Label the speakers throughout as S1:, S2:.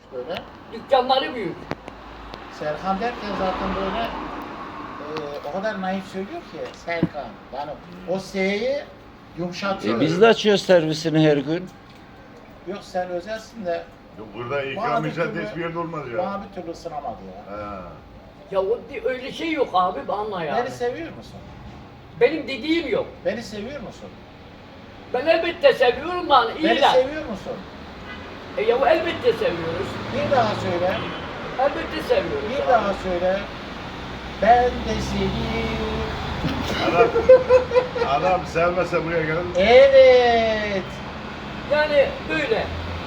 S1: böyle.
S2: Dükkanları büyük.
S1: Serkan derken zaten böyle o kadar naif söylüyor ki Serkan. Yani o S'yi yumuşatıyor.
S3: Biz de açıyoruz servisini her gün.
S1: Yok sen özelsin de
S4: Yok, burada ikram
S1: bana bir
S4: ücret
S1: türlü-
S4: hiçbir yerde olmaz ya.
S1: bana bir türlü ısınamadı ya.
S4: Ha.
S2: Ya öyle şey yok abi anla ya.
S1: Beni seviyor musun?
S2: Benim dediğim yok.
S1: Beni seviyor musun?
S2: Ben elbette seviyorum lan.
S1: Beni
S2: İyi lan.
S1: seviyor musun?
S2: Ya elbette seviyoruz.
S1: Bir daha söyle.
S2: Elbette seviyoruz.
S1: Bir
S2: abi.
S1: daha söyle. Ben de seni.
S4: Adam sevmese buraya gelir.
S1: Evet.
S2: Yani böyle.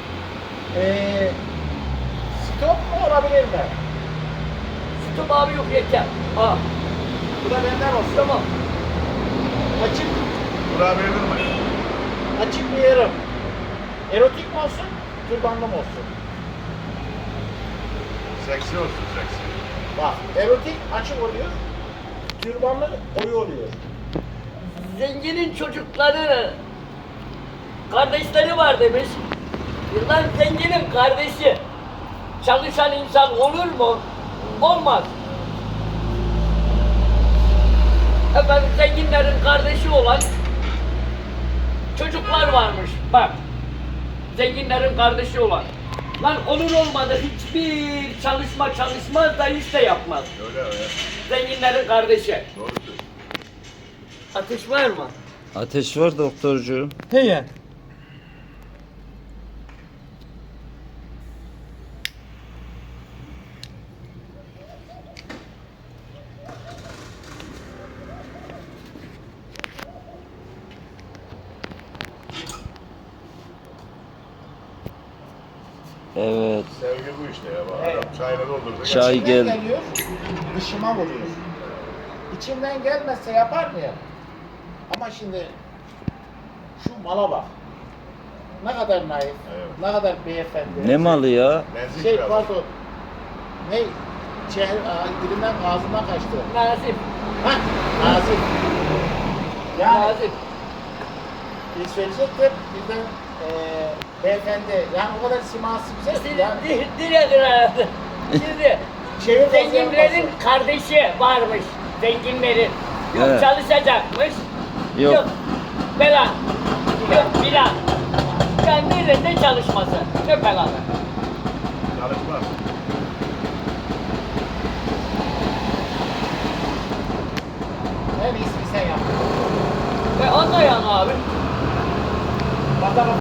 S1: Stop mu olabilir mi?
S2: Stop abi yok yeter. Ha.
S1: Bu da benden olsun.
S2: Tamam.
S1: Açık,
S4: Buraya verdin mi?
S1: açık bir yerim. Erotik mi olsun, türbanlı mı olsun?
S4: Seksi olsun seksi.
S1: Bak, erotik açık oluyor, türbanlı koyu oluyor.
S2: Zenginin çocukları kardeşleri var demiş. Lan zenginin kardeşi çalışan insan olur mu? Olmaz. Efendim zenginlerin kardeşi olan çocuklar varmış. Bak. Zenginlerin kardeşi olan. Lan olur olmadı hiçbir çalışmaz da iş de yapmaz.
S4: Öyle öyle.
S2: Zenginlerin kardeşi.
S4: Doğru söylüyorsun.
S2: Ateş var mı?
S3: Ateş var doktorcuğum.
S2: Heye.
S3: Evet.
S4: Sevgi bu işte ya. Bak,
S1: Evet.
S4: Adam çayla doldurdu.
S3: Çay
S1: İçimden
S3: gel.
S1: geliyor, dışıma vuruyor. İçimden gelmezse yapar mıyım? Ama şimdi şu mala bak. Ne kadar naif,
S4: Evet.
S1: ne kadar beyefendi.
S3: Ne malı ya?
S4: Nazik
S1: Şey
S4: biraz.
S1: pardon. Ne? Dilinden ağzından kaçtı.
S2: Nazif.
S1: Hah, nazik. Yani
S2: Nazif.
S1: bir söyleyecektim, birden beyefendi, yani o kadar siması güzel ki yani.
S2: Diredir herhalde. Şimdi
S1: Çevir
S2: zenginlerin kardeşi varmış. Zenginlerin. Yok
S3: Evet.
S2: çalışacakmış.
S3: Yok.
S2: Falan. Yok filan. Yani nerede çalışması? Ne falan.
S4: Çalışmaz.
S1: En iyisini sen yap.
S2: Anlayan abi.
S1: Bakalım.